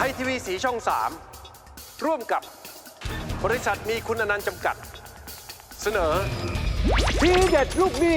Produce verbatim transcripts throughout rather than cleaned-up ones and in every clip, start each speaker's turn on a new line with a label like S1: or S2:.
S1: ยทีวีสีช่องสามร่วมกับบริษัทมีคุณอนันต์จำกัดเสนอทีเด็ดลูกหนี้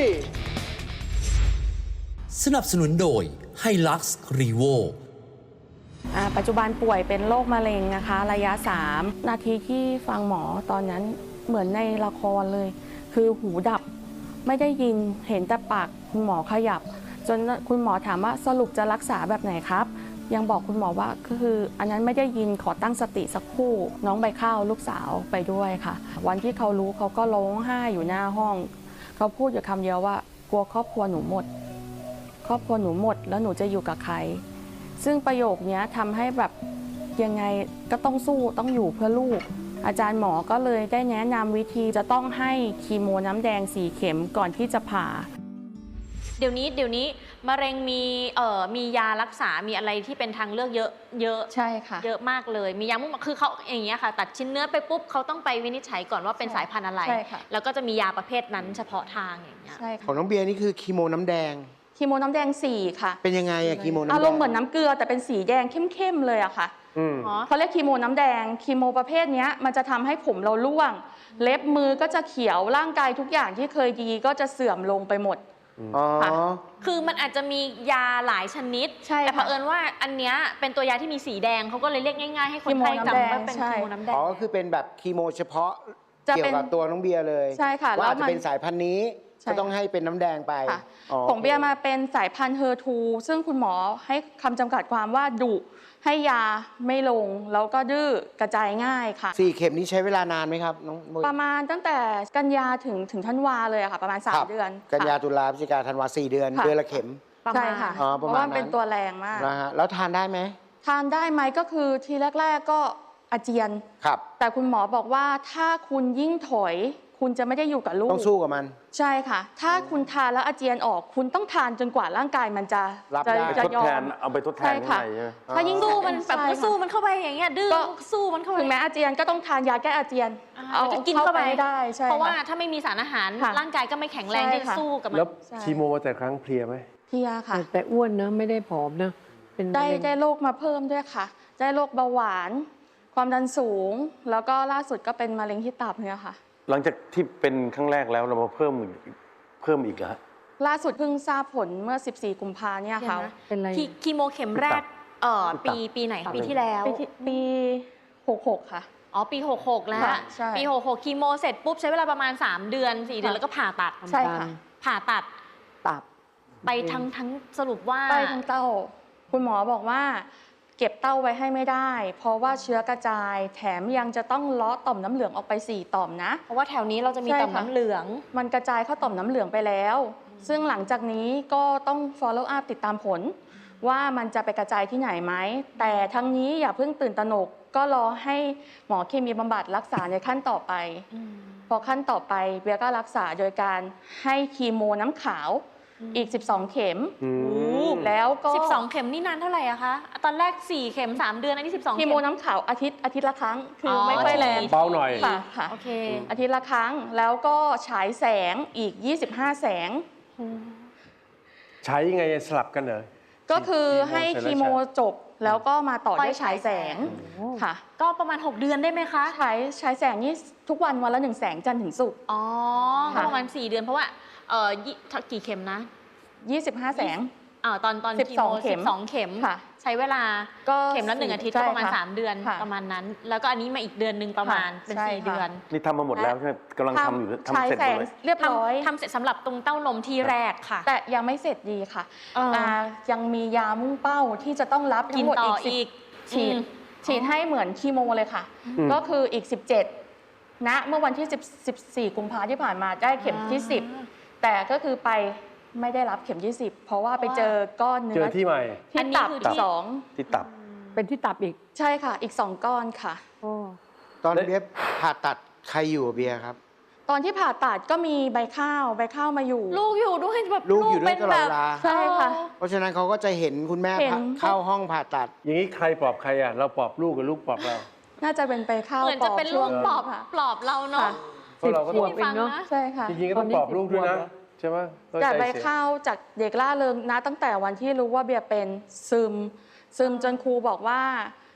S2: สนับสนุนโดยไฮลักซ์รีโว
S3: ปัจจุบันป่วยเป็นโรคมะเร็งนะคะระยะสามนาทีที่ฟังหมอตอนนั้นเหมือนในละครเลยคือหูดับไม่ได้ยินเห็นแต่ปากคุณหมอขยับจนคุณหมอถามว่าสรุปจะรักษาแบบไหนครับยังบอกคุณหมอว่าก็คืออันนั้นไม่ได้ยินขอตั้งสติสักครู่น้องใบข้าวลูกสาวไปด้วยค่ะวันที่เขารู้เขาก็ร้องไห้อยู่หน้าห้องเขาพูดอยู่คำเดียวว่ากลัวครอบครัวหนูหมดครอบครัวหนูหมดแล้วหนูจะอยู่กับใครซึ่งประโยคนี้ทำให้แบบยังไงก็ต้องสู้ต้องอยู่เพื่อลูกอาจารย์หมอก็เลยได้แนะนำวิธีจะต้องให้คีโมน้ำแดงสี่เข็มก่อนที่จะผ่า
S4: เดี๋ยวนี้เดี๋ยวนี้มะเร็งมีเอ่อมียารักษามีอะไรที่เป็นทางเลือกเยอะเยอะ
S3: ใช่ค่ะ
S4: เยอะมากเลยมียามุ่งคือเขาอย่างเงี้ยค่ะตัดชิ้นเนื้อไปปุ๊บเขาต้องไปวินิจฉัยก่อนว่าเป็นสายพันธุ์อะไรแล้วก็จะมียาประเภทนั้นเฉพาะทางอย่างเงี้ย
S5: ของน้องเบียร์นี่คือคีโมน้ำแดง
S3: คีโมน้ำแดงสี่ค่ะ
S5: เป็นยังไงอะคีโมน้ำแดง
S3: อารมณ์เหมือนน้ำเกลือแต่เป็นสีแดงเข้มๆเลยอะค่ะเขาเรียกคีโมน้ำแดงคีโมประเภทนี้มันจะทำให้ผมเราร่วงเล็บมือก็จะเขียวร่างกายทุกอย่างที่เคยดีก็จะเสื่อมลงไปหมด
S4: คือมันอาจจะมียาหลายชนิดแต่เผอิญว่าอันเนี้ยเป็นตัวยาที่มีสีแดงเขาก็เลยเรียกง่ายๆให้คนไข้จำว่าเป็นคีโมน้ำแดง
S5: อ๋อคือเป็นแบบคีโมเฉพาะเกี่ยวกับตัวน้องเบียร์เลย
S3: ใช่ค่ะ
S5: ว่าจะเป็นสายพันธุ์นี้ก็ต้องให้เป็นน้ำแดงไป
S3: ของเบียร์มาเป็นสายพันธุ์เฮอร์ทูซึ่งคุณหมอให้คำจำกัดความว่าดุให้ยาไม่ลงแล้วก็ดื้อกระจายง่ายค่ะ
S5: สี่เข็มนี้ใช้เวลานานไหมครับน้อง
S3: ประมาณตั้งแต่กันยาถึงถึงธันวาเลยค่ะประมาณสามเดือน
S5: กันยาตุลาพฤศจิกาธันวาสี่เดือนเดือนละเข็ม
S3: ใช่ค่ะเพราะว่าเป็นตัวแรงมาก
S5: นะฮะแล้วทานได้ไหม
S3: ทานได้ไหมก็คือทีแรกๆก็อาเจียน
S5: ครับ
S3: แต่คุณหมอบอกว่าถ้าคุณยิ่งถอยคุณจะไม่ได้อยู่กับลูก
S5: ต้องสู้กับมัน
S3: ใช่ค่ะถ้าคุณทานแล้วอาเจียนออกคุณต้องทานจนกว่าร่างกายมันจะ
S5: รับได้
S1: จะยอมเอาไปทดแทน
S3: ใช่ถ้ายิ่ง
S4: สู้มันแบบสู้มันเข้าไปอย่างเงี้ยดื้อสู้มันเข้าไป
S3: ถึงแม้อาเจียนก็ต้องทานยาแก้อาเจียน
S4: เอาจะกินเข้าไป
S3: ไม่ได้ใช่
S4: เพราะว่าถ้าไม่มีสารอาหารร่างกายก็ไม่แข็งแรงที่จะสู้กับมัน
S1: แล้วคีโมแต่ครั้งเพลียไหม
S3: เพลียค่ะ
S6: แต่อ้วนนะไม่ได้ผอมนะ
S3: เป็นได้ได้โรคมาเพิ่มด้วยค่ะได้โรคเบาหวานความดันสูงแล้วก็ล่าสุดก็เป็นมะเร็งที่ตับเนี่ยค่ะ
S1: หลังจากที่เป็นครั้งแรกแล้วเรามาเพิ่มเพิ่มอีกแล้ว
S3: ล่าสุดเพิ่งทราบผลเมื่อสิบสี่กุมภาพันธ์เนี่ยค่ะ
S4: เป็นไรคีโมเข็มแรกเอ่อปีปีไหนปีที่แล้ว
S3: ปีหกหกค่ะ
S4: อ๋อปีหกหกแล้วปีหกหกคีโมเสร็จปุ๊บใช้เวลาประมาณสามเดือนสี่เดือนแล้วก็ผ่าตัด
S3: ใช่ค่ะ
S4: ผ่าตัด
S6: ตับ
S4: ไปทั้งทั้งสรุปว่า
S3: ไปทั้งเต้าคุณหมอบอกว่าเก็บเต้าไว้ให้ไม่ได้เพราะว่าเชื้อกระจายแถมยังจะต้องเลาะต่อมน้ำเหลืองออกไปสี่ต่อมนะ
S4: เพราะว่าแถวนี้เราจะมีต่อมน้ำเหลือง
S3: มันกระจายเข้าต่อมน้ำเหลืองไปแล้วซึ่งหลังจากนี้ก็ต้อง follow up ติดตามผลว่ามันจะไปกระจายที่ไหนไหมแต่ทั้งนี้อย่าเพิ่งตื่นตระหนกก็รอให้หมอเคมีบำบัดรักษาในขั้นต่อไปพอขั้นต่อไปเบียก็รักษาโดยการให้คีโมน้ำขาวอีกสิบสองเข็มแล้วก็
S4: สิบสองเข็มนี่นานเท่าไหร่อะคะตอนแรกสี่เข็มสามเดือนอันนี้สิบสองเข็ม
S3: คีโมน้ำขาวอาทิตย์อาทิตย์ละครั้งคือไม่ค่อยแรง
S1: เบาหน่อย
S3: ค่ะค่ะ
S4: โอเค
S3: อาทิตย์ละครั้งแล้วก็ฉายแสงอีกยี่สิบห้าแสง
S1: ใช้ยังไงสลับกันเหรอ
S3: ก็คือให้คีโมจบแล้วก็มาต่อด้วยฉายแสงค่ะ
S4: ก็ประมาณหกเดือนได้ไหมคะ
S3: ฉายฉายแสงนี่ทุกวันวันละหนึ่งแสงจันทร์ถึงศุกร์
S4: อ๋อประมาณสี่เดือนเพราะว่าเอ่อกี่เข็มนะ
S3: ยี่สิบห้าแสง
S4: อ่าตอนตอน
S3: สิบสองเข็ม
S4: สิบสองเข็มใช้เวลาเข็มละหนึ่งอาทิตย์ก็ประมาณสามเดือนประมาณนั้นแล้วก็อันนี้มาอีกเดือนหนึ่งประมาณเป็นสี่เดือน
S1: นี่ทำมาหมดแล้วใช่ไหมกำลังทำอยู่
S3: ทำเสร็จเลยเรียบร้อย
S4: ทำเสร็จสำหรับตรงเต้านมที่แรกค่ะ
S3: แต่ยังไม่เสร็จดีค่ะยังมียามุ่งเป้าที่จะต้องรับทั้งหมดอีกฉีดฉีดให้เหมือนคีโมเลยค่ะก็คืออีกสิบเจ็ดณเมื่อวันที่สิบสี่กุมภาพันธ์ที่ผ่านมาได้เข็มที่สิบแต่ก็คือไปไม่ได้รับเข็มที่สิบเพราะว่าไปเจอก้อนเนื้อ
S1: เจอที่ใหม่
S3: ที่ตับสอง
S1: ที่ตับ
S6: เป็นที่ตับอีก
S3: ใช่ค่ะอีกสองก้อนค่ะ
S5: ตอนเบียร์ผ่าตัดใครอยู่เบียร์ครับ
S3: ตอนที่ผ่าตัดก็มีใบข้าวใบข้าวมาอยู่
S4: ลูกอยู่ด้วยแบบ
S5: ลูกอยู่ด้วยตลอดเวลา
S3: ใช่ค่ะ
S5: เพราะฉะนั้นเขาก็จะเห็นคุณแม่เข้าห้องผ่าตัด
S1: อย่างนี้ใครปลอบใครอ่ะเราปลอบลูกกับลูกปลอบเรา
S3: น่าจะเป็นใบข้าว
S4: เหมือนจะเป็นลูกปลอบปลอบเราเนาะ
S1: สิบขวบ
S6: เองเนาะ
S3: ใช่ค่ะ
S1: จริงๆก็ต้องปลอบลูกด้วยนะใช่ไหม
S3: จากใบข้าวจากเด็กล่าเริงนะตั้งแต่วันที่รู้ว่าเบียร์เป็นซึมซึมจนครูบอกว่า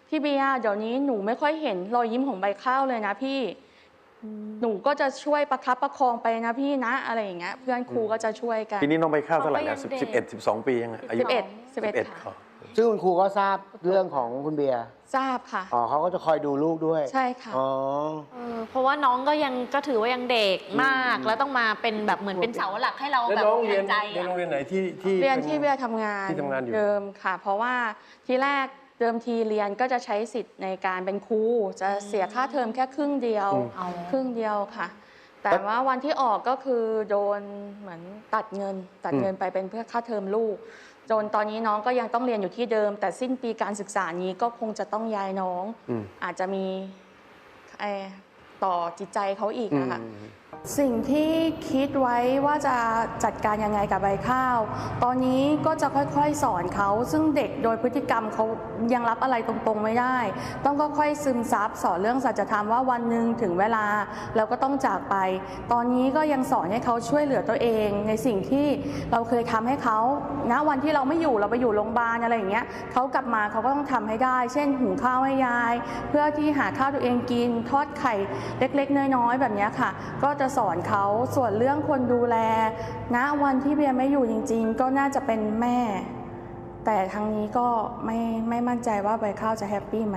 S3: พี่เบียร์เดี๋ยวนี้หนูไม่ค่อยเห็นรอยยิ้มของใบข้าวเลยนะพี่หนูก็จะช่วยประคับประคองไปนะพี่นะอะไรอย่างเงี้ยเพื่อนครูก็จะช่วยกัน
S1: ปีนี้น้องใบข้าวเท่าไหร่
S4: น้
S1: นะ
S4: องก็
S1: สิบ
S4: ยังเด็ก
S1: สิบเอ็ดสิบสองปียังไงอายุ
S3: สิบเอ็ดสิบเอ็ด
S1: สิบเอ็ด
S3: ค่ะ
S5: ซึ่งคุณครูก็ทราบเรื่องของคุณเบียร์
S3: ทราบค่ะ
S5: อ๋อเขาก็จะคอยดูลูกด้วย
S3: ใช่ค่ะ
S5: อ๋อ
S4: เออเพราะว่าน้องก็ยังก็ถือว่ายังเด็กมาก แล้วต้องมาเป็นแบบเหมือนเป็นเสาหลักให้เรา
S1: แล้ว
S4: แบบ
S1: น้องเรียน
S4: ใจ
S1: เรียน
S4: อะ
S1: โรงเรียนไหนที่ที่
S3: เรียน
S1: ป็
S3: ที่เบียร์ทำงาน
S1: ที่ทำงานอยู่
S3: เดิมค่ะ เพราะว่าที่แรกเดิมทีเรียนก็จะใช้สิทธิ์ในการเป็นครูจะเสียค่าเทอมแค่ครึ่งเดียว
S4: เอา
S3: ครึ่งเดียวค่ะ แต่ว่าวันที่ออกก็คือโดนเหมือนตัดเงิน ตัดเงินไปเป็นเพื่อค่าเทอมลูก จนตอนนี้น้องก็ยังต้องเรียนอยู่ที่เดิม แต่สิ้นปีการศึกษานี้ก็คงจะต้องย้ายน้อง
S1: อืม
S3: อาจจะมีเอ่อต่อจิตใจเขาอีก
S5: อืม
S3: นะคะ สิ่งที่คิดไว้ว่าจะจัดการยังไงกับใบข้าว ตอนนี้ก็จะค่อยๆสอนเขา ซึ่งเด็กโดยพฤติกรรมเขายังรับอะไรตรงๆไม่ได้ ต้องค่อยๆซึมซับสอนเรื่องสัจธรรมว่าวันหนึ่งถึงเวลาเราก็ต้องจากไป ตอนนี้ก็ยังสอนให้เขาช่วยเหลือตัวเอง ในสิ่งที่เราเคยทำให้เขาณวันที่เราไม่อยู่เราไปอยู่โรงพยาบาลอะไรอย่างเงี้ยเขากลับมาเขาก็ต้องทำให้ได้ เช่นหุงข้าวให้ยาย เพื่อที่หาข้าวตัวเองกินทอดไข่เล็กๆน้อยๆแบบเนี้ยค่ะ ก็จะสอนเขาส่วนเรื่องคนดูแลณวันที่เบียร์ไม่อยู่จริงๆ ก็น่าจะเป็นแม่ แต่ทางนี้ก็ไม่ไม่มั่นใจว่าใบข้าวจะแฮปปี้ไหม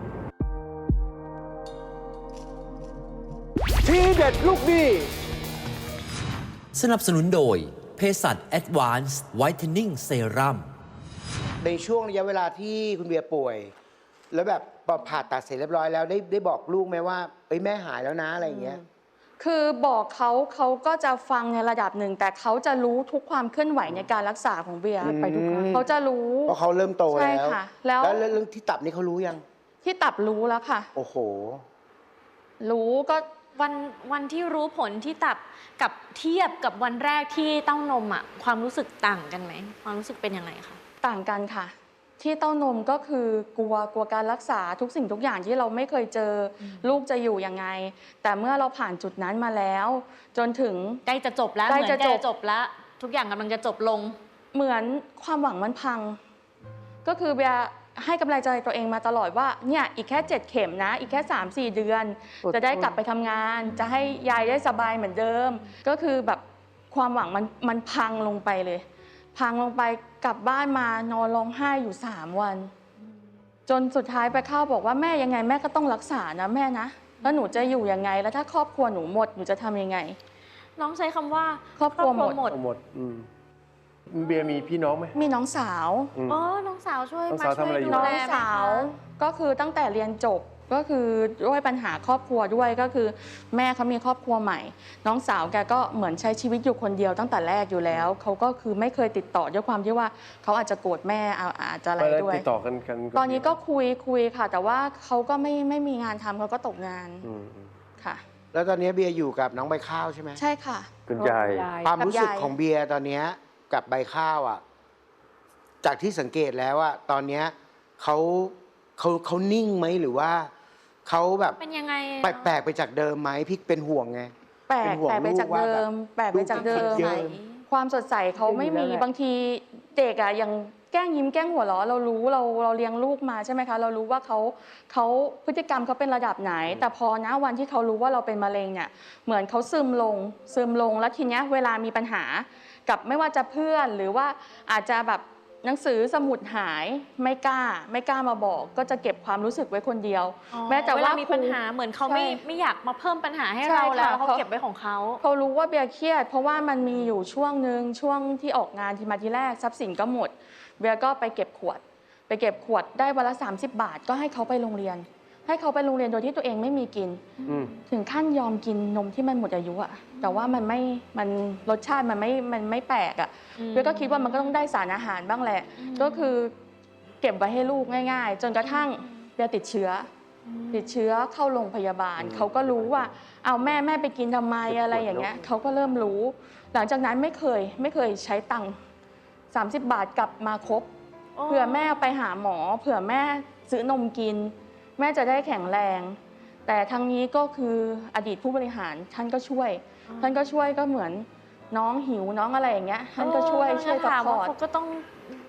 S1: ทีเด็ดลูกหนี้
S2: สนับสนุนโดยเภสัช Advanced Whitening Serum
S5: ในช่วงระยะเวลาที่คุณเบียร์ป่วย แล้วแบบผ่าตัดเสร็จเรียบร้อยแล้วได้ได้บอกลูกไหมว่าเอ้ยแม่หายแล้วนะอะไรอย่างเงี้ย
S3: คือบอกเขาเขาก็จะฟังในระดับหนึ่ง แต่เขาจะรู้ทุกความเคลื่อนไหวในการรักษาของเบียร์
S5: อืม
S3: ไปทุกครั้งเขาจะรู้
S5: เพราะเขาเริ่มโต
S3: ใช่
S5: แล้ว
S3: ค่ะแล้ว
S5: แล้วเรื่องที่ตับนี่เขารู้ยัง
S3: ที่ตับรู้แล้วค่ะ
S5: โอ้โห
S3: รู้ก็
S4: วันวันที่รู้ผลที่ตับกับเทียบกับวันแรกที่เต้านมอ่ะความรู้สึกต่างกันไหมความรู้สึกเป็นยังไงคะ
S3: ต่างกันค่ะ ที่เต้านมก็คือกลัวกลัวการรักษาทุกสิ่งทุกอย่างที่เราไม่เคยเจออลูกจะอยู่ยังไง แต่เมื่อเราผ่านจุดนั้นมาแล้ว จนถึง
S4: ใกล้จะจบแล้ว
S3: ใกล้
S4: เหมือน
S3: จะ
S4: ใกล้
S3: จบ
S4: จะจบแล้ว ทุกอย่างกำลังจะจบลง
S3: เหมือนความหวังมันพัง ก็คือเบียร์ให้กำลังใจตัวเองมาตลอดว่าเนี่ยอีกแค่เจ็ดเข็มนะ อีกแค่ สามสี่ เดือน
S6: อดทน
S3: จะได้กลับไปทำงาน จะให้ยายได้สบายเหมือนเดิม ก็คือแบบความหวังมันมันพังลงไปเลย พังลงไปกลับบ้านมานอนร้องไห้อยู่สามวัน จนสุดท้ายไปเข้าบอกว่าแม่ยังไงแม่ก็ต้องรักษานะแม่นะแล้วหนูจะอยู่ยังไง แล้วถ้าครอบครัวหนูหมดหนูจะทำยังไง
S4: น้องใช้คำว่า
S3: ครอบครัวหมด
S4: หมด
S1: เอาหมดอืมเบียร์มีพี่น้องไหม
S3: มีน้องสาว
S1: อืม
S4: อ๋อน้องสาวช่วย
S1: น้อง
S4: มา
S1: สาว
S4: ช่วย
S1: ทำอะไรอยู่
S4: ดู
S3: น้อง
S4: แลไหมคะ
S3: สาวก็คือตั้งแต่เรียนจบก็คือด้วยปัญหาครอบครัวด้วยก็คือแม่เขามีครอบครัวใหม่ น้องสาวแกก็เหมือนใช้ชีวิตอยู่คนเดียวตั้งแต่แรกอยู่แล้วเขาก็คือไม่เคยติดต่อด้วยความที่ว่าเขาอาจจะโกรธแม่เอาอาจจะอะไร
S1: ไปแล้ว
S3: ด้วย
S1: ติดต่อกันกัน
S3: ตอนนี้ก็คุยคุยค่ะ แต่ว่าเขาก็ไม่ไม่มีงานทำเขาก็ตกงาน
S1: อืมอืม
S3: ค่ะ
S5: แล้วตอนนี้เบียร์อยู่กับน้องใบข้าวใช่ไหม
S3: ใช่ค่ะ
S1: คุณยาย
S5: ความรู้สึก
S3: กับยาย
S5: ของเบียร์ตอนเนี้ยกับใบข้าวอ่ะ จากที่สังเกตแล้วอ่ะตอนเนี้ยเขาเขาเขานิ่งไหมหรือว่าเขาแบบ
S4: เป็นยังไง
S5: แปลกๆไปจากเดิมไหมพี่เป็นห่วงไง
S3: แปล
S5: เป็
S3: ก
S5: นห่วง
S3: แปลกไปจาก
S5: ลูกว่า
S3: เดิ
S5: แบบ
S3: ม แปลกไปจากเดิ
S5: ลู
S3: ม
S5: กเยอะ
S3: ความสดใสเขาไม่มี
S6: อยู่แล้วแหละ
S3: บางทีเด็กอะยังแกล้งยิ้มแกล้งหัวเราะเรารู้เราเราเลี้ยงลูกมาใช่ไหมคะ เรารู้ว่าเขาเขาพฤติกรรมเขาเป็นระดับไหน แต่พอนะวันที่เขารู้ว่าเราเป็นมะเร็งเนี่ยเหมือนเขาซึมลงซึมลงแล้วทีเนี้ยเวลามีปัญหากับไม่ว่าจะเพื่อนหรือว่าอาจจะแบบหนังสือสมุดหายไม่กล้า ไม่กล้ามาบอก ก็จะเก็บความรู้สึกไว้คนเดียว
S4: อ๋อ
S3: แม้แต่
S4: เว
S3: ว่า
S4: ลามีปัญหาเหมือนเขาไม่
S3: ใช่
S4: ไม่อยากมาเพิ่มปัญหาให้
S3: ใช่
S4: เราแล้ว
S3: ค่ะ
S4: เขา
S3: เขา
S4: เก็บไว้ของเขา
S3: เขารู้ว่าเบียร์เครียดเพราะว่ามันมีอยู่ช่วงหนึ่งช่วงที่ออกงานที่มาทีแรกทรัพย์สินก็หมดเบียร์ก็ไปเก็บขวด ไปเก็บขวดได้วันละสามสิบบาทก็ให้เขาไปโรงเรียน ให้เขาไปโรงเรียนโดยที่ตัวเองไม่มีกิน
S1: อืม
S3: ถึงขั้นยอมกินนมที่มันหมดอายุอะแต่ว่ามันไม่มันรสชาติมันไม่มันไม่แปลกอะ
S4: อืม
S3: เบียร์ก็คิดว่ามันก็ต้องได้สารอาหารบ้างแหละ ก็คือเก็บไว้ให้ลูกง่ายๆ จนกระทั่งเบียร์ติดเชื้ออติดเชื้อเข้าโรงพยาบาล เขาก็รู้ว่าเอาแม่แม่ไปกินทำไมอะไรอย่างเงี้ยเขาก็เริ่มรู้ หลังจากนั้นไม่เคยไม่เคยใช้ตังค์สามสิบบาทกลับมาครบ เผื่อแม่ไปหาหมอ เผื่อแม่ซื้อนมกิน แม่จะได้แข็งแรง แต่ทางนี้ก็คืออดีตผู้บริหารท่านก็ช่วย ท่านก็ช่วยก็เหมือนน้องหิวน้องอะไรอย่างเงี้ยท่านก็ช่วย
S4: เออ
S3: ช่วย
S4: ถาม
S3: ซัพพ
S4: ว่า
S3: อร์ต
S4: เขาก็ต้อง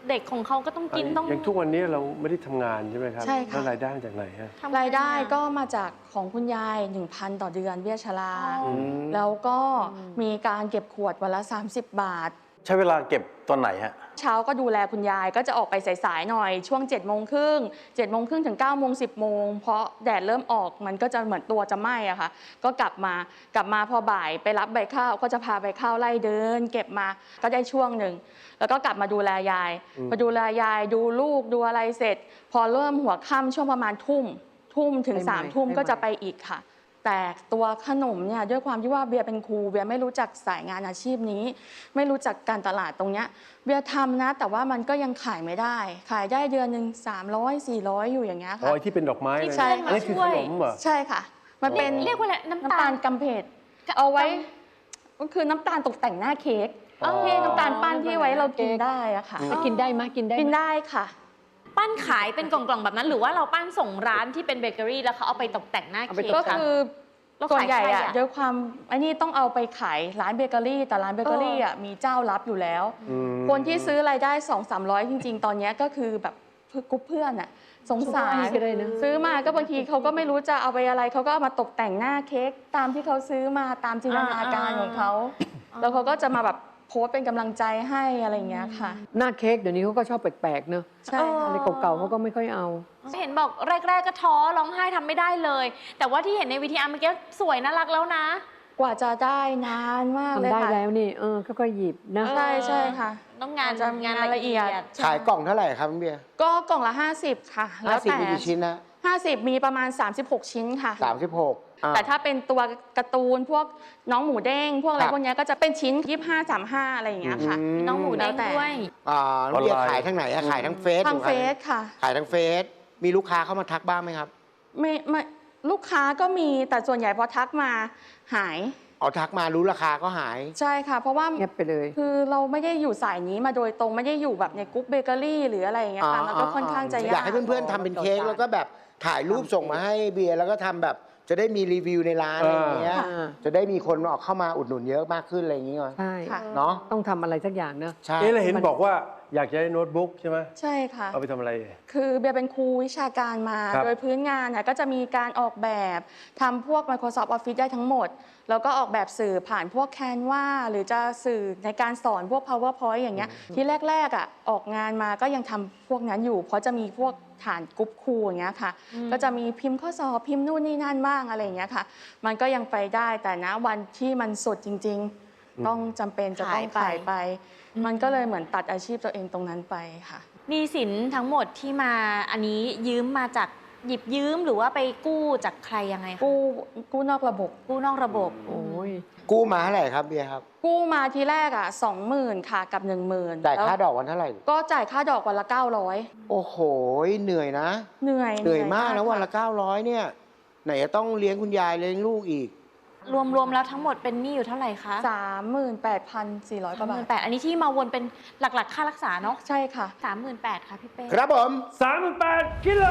S4: เด็กของเขาก็ต้องกินต้อง
S1: อย่างทุกวันนี้เราไม่ได้ทำงานใช่ไหมครับ
S3: ใช่ค่ะ
S1: แล้วรายได้มาจากไหนฮะ
S4: ทำ
S3: รายได้
S4: งาน
S3: ก็มาจากของคุณยาย หนึ่งพัน ต่อเดือนเบี้ยชรา
S4: อ๋อ
S1: ม
S3: แล้วก็มีการเก็บขวดวันละ สามสิบ บาท
S7: ใช้เวลาเก็บตอนไหนฮะ
S3: เช้าก็ดูแลคุณยายก็จะออกไปสายๆหน่อยช่วง7จ็ดโมงครึ่งเจ็ดโมงครึ่งถึง9ก้าโมงสิบโมงเพราะแดดเริ่มออกมันก็จะเหมือนตัวจะไหม้อะค่ะก็กลับมากลับมาพอบ่ายไปรับใบข้าวก็จะพาใบข้าวไล่เดิน เก็บมาก็ได้ช่วงหนึ่งแล้วก็กลับมาดูแลยายมาดูแลยายดูลูกดูอะไรเสร็จ พอเริ่มหัวค่ำช่วงประมาณทุ่มทุ่มถึง
S6: ไปใหม่
S3: สามทุ่ม
S6: ไปใหม่
S3: ก็จะไปอีกค่ะ แต่ตัวขนมเนี่ยด้วยความที่ว่าเบียร์เป็นครูเบียร์ไม่รู้จักสายงานอาชีพนี้ ไม่รู้จักการตลาดตรงเนี้ยเบียร์ทำนะ แต่ว่ามันก็ยังขายไม่ได้ ขายได้เดือนหนึ่งสามร้อยสี่ร้อยอยู่อย่างเงี้ย
S1: อ๋อ
S3: ค่ะ
S1: ไอ้ที่เป็นดอกไม้
S4: ที่
S1: เลย
S3: ใช่
S1: นะอันนี้คือขนมเหรอ
S3: ใช่ค่ะ มันเป็น
S4: เรียกว่าอะไรน้ำ
S3: น้ำ
S4: ตา
S3: ตา
S4: ล
S3: ลกำเพดเอาไว้ก็คือน้ำตาลตกแต่งหน้าเค้ก
S1: อ๋อ
S3: ที่น้ำตาลปั้นที่ไว้เรากินได้อะค่ะ
S6: กินได้ไหมกินได้ไหม
S3: กินได้ค่ะ
S4: ปั้นขายเป็นกล่องๆแบบนั้น หรือว่าเราปั้นส่งร้านที่เป็นเบเกอรี่แล้วเขาเอาไปตกแต่งหน้า
S6: เอาไป
S4: เค้ก
S3: ก็
S4: ค่ะ
S3: คือ
S4: แล้ว
S3: ส่วน
S4: ขาย
S3: ใหญ่
S4: ใคร
S3: อะ
S4: อะ
S3: ด้วยความไอ้นี่ต้องเอาไปขายร้านเบเกอรี่ แต่ร้านเบเกอรี่อะมีเจ้ารับอยู่แล้ว
S1: อืม
S3: คนที่ซื้อรายได้สองสามร้อยจริง ๆ ตอนเนี้ยก็คือแบบกรุ๊ปเพื่อนอะสงสาร
S6: ซื้อก็ได้นะ
S3: ซื้อมาก็บางทีเขาก็ไม่รู้จะเอาไปอะไรเขาก็เอามาตกแต่งหน้าเค้กตามที่เขาซื้อมาตามจินตนาการของเขาแล้วเขาก็จะมาแบบโพสต์เป็นกำลังใจให้อะไรอย่างเงี้ยค่ะ
S6: หน้าเค้กเดี๋ยวนี้เขาก็ชอบแปลกๆเนอะ
S3: ใช่ค่ะ
S6: อะไรเก่าๆเขาก็ไม่ค่อยเอา
S4: เห็นบอกแรก ๆ ก็ท้อร้องไห้ทำไม่ได้เลย แต่ว่าที่เห็นในวีทีอาร์เมื่อกี้สวยน่ารักแล้วนะ
S3: กว่าจะได้นานมากเลย
S6: ทำได้
S3: ค่ะ
S6: แล้วนี่เออค่อยๆหยิบนะ
S3: ใช่ใช่ค่ะ
S4: ต้องงาน
S3: จะ
S4: งาน
S3: งานละ
S4: ละ
S3: เอี
S4: เอี
S3: ย
S4: ย
S3: ด
S4: ด
S5: ขายกล่องเท่าไหร่ครับคุณเบียร์
S3: ก็กล่องละห้าสิบค่ะ
S5: ห้าสิบมีกี่ชิ้นนะ
S3: ห้าสิบมีประมาณสามสิบหกชิ้นค่ะ
S5: สามสิบหกอ่า
S3: แต่ถ้าเป็นตัวการ์ตูนพวกน้องหมูเด้งพวกอะไร
S5: ครับ
S3: พวกเนี้ยก็จะเป็นชิ้นยี่ห้าสามห้าอะไรอย่างเงี้ยค่ะ
S5: ม
S4: น้องหมูเด้ง
S3: แล้วแต่
S4: ด้วย
S5: อ่าน้องเบียร์
S7: ออนไลน์
S5: ขายทางไหนอะขายทางเฟซ
S3: ทาง
S5: หรือ
S3: เฟ
S5: ขาย
S3: ซค่ะ
S5: ขายทางเฟซมีลูกค้าเข้ามาทักบ้างไหมครับ
S3: ไม่ไม่ลูกค้าก็มีแต่ส่วนใหญ่พอทักมาหาย
S5: เอาทักมารู้ราคาก็หาย
S3: ใช่ค่ะ เพราะว่า
S6: เงียบไปเลย
S3: คือเราไม่ได้อยู่สายนี้มาโดยตรงไม่ได้อยู่แบบในกรุ๊ปเบเกอรี่หรืออะไรอย่างเงี้ยค่ะมันก็ค่อนข้างจะยาก
S5: อยากให้เพื่อนๆทำเป็นเค้กแล้วก็แบบถ่ายรูปส่งมาให้เบียร์แล้วก็ทำแบบจะได้มีรีวิวในร้านอะไรอย่างเงี้ย
S6: อ่า
S5: จะได้มีคนออกเข้ามาอุดหนุนเยอะมากขึ้นอะไรอย่างเงี้ย
S6: ใช่
S3: ค่ะ
S5: เนาะ
S6: ต้องทำอะไรสักอย่างเนอะ
S5: ใช่
S1: เอ๊ะแล้วเห็นบอกว่าอยากจะได้โน้ตบุ๊กใช่ไหม
S3: ใช่ค่ะ
S1: เอาไปทำอะไร
S3: คือเบียร์เป็นครูวิชาการมา
S1: ครับ
S3: โดยพื้นงานเนี่ยก็จะมีการออกแบบทำพวก Microsoft Office ได้ทั้งหมด แล้วก็ออกแบบสื่อผ่านพวก Canva หรือจะสื่อในการสอนพวก PowerPoint อย่างเงี้ยที่แรกๆอ่ะออกงานมาก็ยังทำพวกนั้นอยู่ เพราะจะมีพวกฐานกรุ๊ปครูอย่างเงี้ยค่ะ ก็จะมีพิมพ์ข้อสอบพิมพ์นู่นนี่นั่นบ้างอะไรอย่างเงี้ยค่ะ มันก็ยังไปได้แต่นะวันที่มันสุดจริง ๆ ต้องจำเป็นจะต้อง
S4: ขายไป
S3: ขายไป มันก็เลยเหมือนตัดอาชีพตัวเองตรงนั้นไปค่ะ
S4: หนี้สินทั้งหมดที่มาอันนี้ยืมมาจากหยิบยืมหรือว่าไปกู้จากใครยังไงคะ
S3: กู้กู้นอกระบบ
S4: กู้นอกระบบ
S6: โอ้ย
S5: กู้มาเท่าไหร่ครับเบียร์ครับ
S3: กู้มาทีแรกอ่ะสองหมื่นค่ะกับหนึ่งหมื่น
S5: จ่ายค่าดอกวันเท่าไหร่
S3: ก็จ่ายค่าดอกวันละเก้าร้อย
S5: โอ้โหเหนื่อยนะ
S3: เหนื่อย
S5: เหนื่อยมากนะวันละ
S3: ค่
S5: เก้าร้อยเนี่ย ไหนจะต้องเลี้ยงคุณยายเลี้ยงลูกอีก
S4: รวมๆแล้วทั้งหมดเป็นหนี้อยู่เท่าไหร่คะ
S3: สามหมื่นแปดพันสี่ร้อยกว่าบาท
S4: แปดอันนี้ที่มาวนเป็นหลักๆ ค่ารักษาเนาะ
S3: ใช่ค่ะ
S4: สามหมื่นแปดค่ะพี่เป้
S5: ครับผม
S1: สามแปดกิโล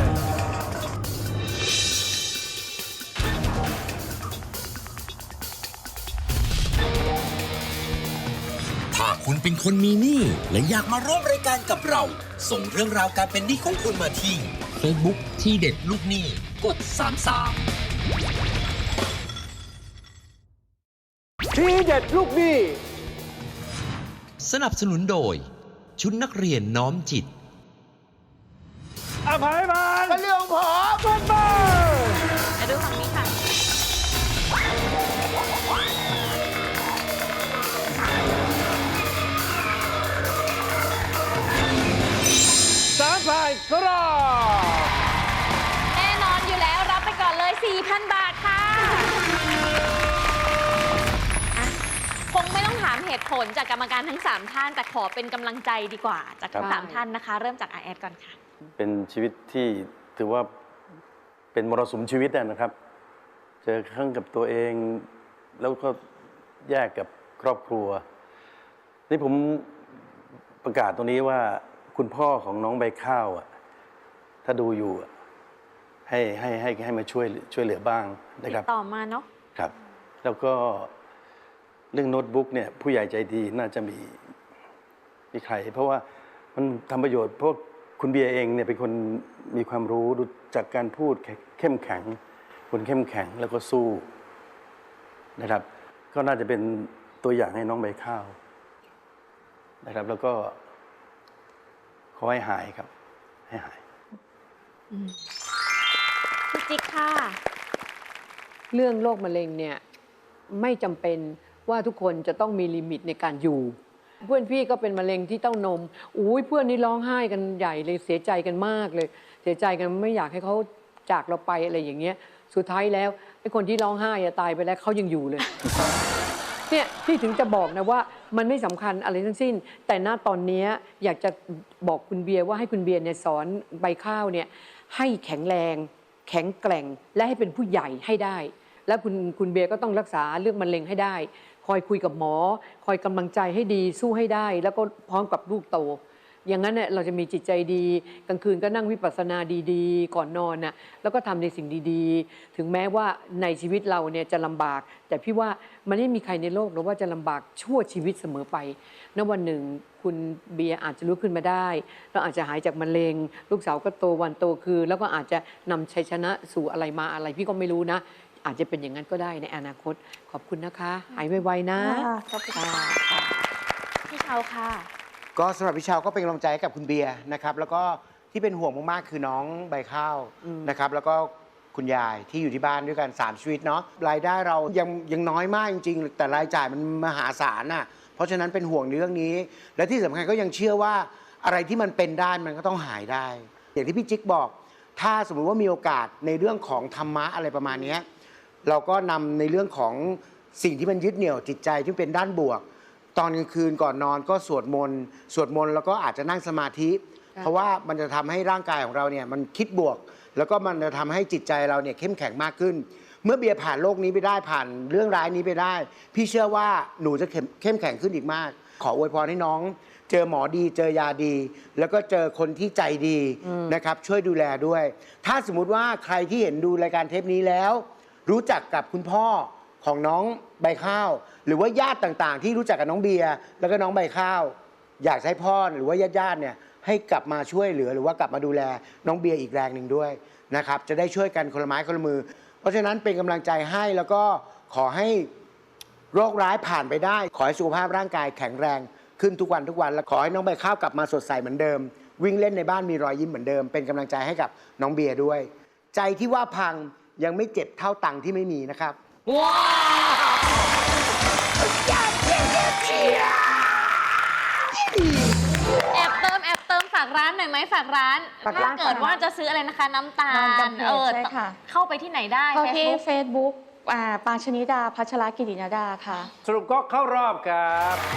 S2: ถ้าคุณเป็นคนมีหนี้และอยากมาร่วมรายการกับเรา ส่งเรื่องราวการเป็นหนี้ของคุณมาที่ Facebook ที่เด็ดลูกหนี้กดสามสาม
S1: ทีเด็ดลูกหนี้
S2: สนับสนุนโดย ชุดนักเรียนน้อมจิต
S1: อภัยบาน
S5: ก็เรื่องของผม
S1: บ้าน
S4: ไปดูฝั่งนี้ค่ะ
S1: สามพันกรอบ
S4: แน่นอนอยู่แล้วรับไปก่อนเลย สี่พัน บาทค่ะอ่ะ คงไม่ต้องถามเหตุผลจากกรรมการทั้ง สาม ท่าน แต่ขอเป็นกำลังใจดีกว่า จากทั้ง
S6: ครับ
S4: สามท่านนะคะ เริ่มจากอาแอดก่อนค่ะ
S7: เป็นชีวิตที่ถือว่าเป็นมรสุมชีวิตอะนะครับ เจอครั้งกับตัวเอง แล้วก็แยกกับครอบครัว นี่ผมประกาศตรงนี้ว่าคุณพ่อของน้องใบข้าวอะถ้าดูอยู่อะให้ให้ให้ให้มาช่วยช่วยเหลือบ้างนะ
S4: ติ
S7: ครับ
S4: ดต่อมาเนาะ
S7: ครับ แล้วก็เรื่องโน้ตบุ๊กเนี่ยผู้ใหญ่ใจดีน่าจะมีมีใคร เพราะว่ามันทำประโยชน์เพราะคุณเบียร์เองเนี่ยเป็นคนมีความรู้ดูจากการพูดเข้มแข็งคนเข้มแข็งแล้วก็สู้นะครับ ก็น่าจะเป็นตัวอย่างให้น้องใบข้าวนะครับ แล้วก็ขอให้หายครับ ให้หาย
S4: พี่จิ๊กค่ะ
S6: เรื่องโรคมะเร็งเนี่ยไม่จำเป็นว่าทุกคนจะต้องมีลิมิตในการอยู่ เพื่อนพี่ก็เป็นมะเร็งที่เต้านมอุ้ยเพื่อนนี่ร้องไห้กันใหญ่เลยเสียใจกันมากเลย เสียใจกันไม่อยากให้เขาจากเราไปอะไรอย่างเงี้ยสุดท้ายแล้วไอ้คนที่ร้องไห้อะตายไปแล้วเขายังอยู่เลย เนี่ยพี่ถึงจะบอกนะว่ามันไม่สำคัญอะไรทั้งสิ้น แต่ณตอนนี้อยากจะบอกคุณเบียร์ว่าให้คุณเบียร์เนี่ยสอนใบข้าวเนี่ยให้แข็งแรง แข็งแกร่งและให้เป็นผู้ใหญ่ให้ได้ แล้วคุณคุณเบียร์ก็ต้องรักษาเรื่องมะเร็งให้ได้ คอยคุยกับหมอ คอยกำลังใจให้ดีสู้ให้ได้ แล้วก็พร้อมกับลูกโต อย่างนั้นเนี่ยเราจะมีจิตใจดีกลางคืนก็นั่งวิปัสสนาดีๆ ก่อนนอนน่ะแล้วก็ทำในสิ่งดีๆ ถึงแม้ว่าในชีวิตเราเนี่ยจะลำบาก แต่พี่ว่ามันไม่มีใครในโลกหรอกว่าจะลำบากชั่วชีวิตเสมอไปณวันหนึ่งคุณเบียร์อาจจะลุกขึ้นมาได้แล้วอาจจะหายจากมะเร็ง ลูกสาวก็โตวันโตคือ แล้วก็อาจจะนำชัยชนะสู่อะไรมาอะไรพี่ก็ไม่รู้นะ อาจจะเป็นอย่างนั้นก็ได้ในอนาคตขอบคุณนะคะหายไวๆนะ
S3: ขอบคุณค่ะ
S4: พี่เชาค่ะ
S5: ก็สำหรับพี่ชาวก็เป็นกำลังใจให้กับคุณเบียร์นะครับ แล้วก็ที่เป็นห่วงมากๆคือน้องใบข้าวนะครับ แล้วก็คุณยายที่อยู่ที่บ้านด้วยกันสามชีวิตเนาะรายได้เรายังยังน้อยมากจริงๆแต่รายจ่ายมันมหาศาลน่ะเพราะฉะนั้นเป็นห่วงในเรื่องนี้ และที่สำคัญก็ยังเชื่อว่าอะไรที่มันเป็นได้มันก็ต้องหายได้ อย่างที่พี่จิ๊กบอก ถ้าสมมุติว่ามีโอกาสในเรื่องของธรรมะอะไรประมาณนี้เราก็นำในเรื่องของสิ่งที่มันยึดเหนี่ยวจิตใจที่เป็นด้านบวกตอนกลางคืนก่อนนอนก็สวดมนต์สวดมนต์แล้วก็อาจจะนั่งสมาธิ เพราะว่ามันจะทำให้ร่างกายของเราเนี่ยมันคิดบวก แล้วก็มันจะทำให้จิตใจเราเนี่ยเข้มแข็งมากขึ้น เมื่อเบียร์ผ่านโลกนี้ไปได้ผ่านเรื่องร้ายนี้ไปได้ พี่เชื่อว่าหนูจะเข้มเข้มแข็งขึ้นอีกมาก ขออวยพรให้น้อง เจอหมอดีเจอยาดี แล้วก็เจอคนที่ใจดีนะครับช่วยดูแลด้วย ถ้าสมมุติว่าใครที่เห็นดูรายการเทปนี้แล้ว รู้จักกับคุณพ่อของน้องใบข้าว หรือว่าญาติต่างๆ ที่รู้จักกับน้องเบียร์แล้วก็น้องใบข้าว อยากให้พ่อหรือว่าญาติๆเนี่ยให้กลับมาช่วยเหลือหรือว่ากลับมาดูแลน้องเบียร์อีกแรงหนึ่งด้วยนะครับจะได้ช่วยกันคนละไม้คนละมือ เพราะฉะนั้นเป็นกำลังใจให้แล้วก็ขอให้โรคร้ายผ่านไปได้ ขอให้สุขภาพร่างกายแข็งแรงขึ้นทุกวันทุกวันและขอให้น้องใบข้าวกลับมาสดใสเหมือนเดิม วิ่งเล่นในบ้านมีรอยยิ้มเหมือนเดิม เป็นกำลังใจให้กับน้องเบียร์ด้วย ใจที่ว่าพังยังไม่เจ็บเท่าตังค์ที่ไม่มีนะครับว้าว
S4: แอบเติมแอบเติมฝากร้านหน่อยไหมฝากร้าน
S3: ฝากร้าน
S4: ถ้าเกิดว่าจะซื้ออะไรนะคะน้ำตาล
S3: น้ำตาล
S4: เออ
S3: ใช่ค่ะ
S4: เข้าไปที่ไหนได้
S3: เข้าที่
S4: Facebook
S3: Facebook อ่าปางชนิดาพัชรกิตินาดาค่ะ
S1: สรุปก็เข้ารอบครับ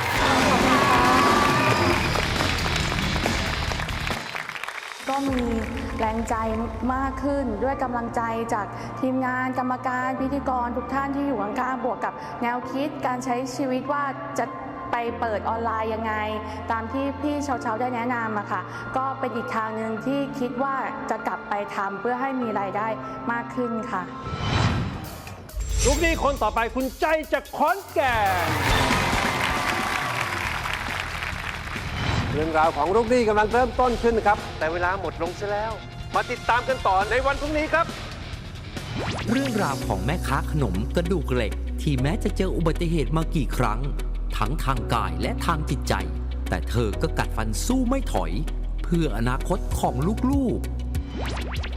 S3: ก็มีแรงใจมากขึ้นด้วยกำลังใจจากทีมงานกรรมการพิธีกรทุกท่านที่อยู่ข้างๆบวกกับแนวคิดการใช้ชีวิตว่าจะไปเปิดออนไลน์ยังไง ตามที่พี่เชาๆได้แนะนำอะค่ะก็เป็นอีกทางหนึ่งที่คิดว่าจะกลับไปทำเพื่อให้มีรายได้มากขึ้นค่ะ
S1: ลูกหนี้คนต่อไปคุณใจจากขอนแก่นเรื่องราวของลูกหนี้กำลังเริ่มต้นขึ้นครับ แต่เวลาหมดลงซะแล้ว มาติดตามกันต่อในวันพรุ่งนี้ครับ
S2: เรื่องราวของแม่ค้าขนมกระดูกเหล็ก ที่แม้จะเจออุบัติเหตุมากี่ครั้ง ทั้งทางกายและทางจิตใจ แต่เธอก็กัดฟันสู้ไม่ถอย เพื่ออนาคตของลูกๆ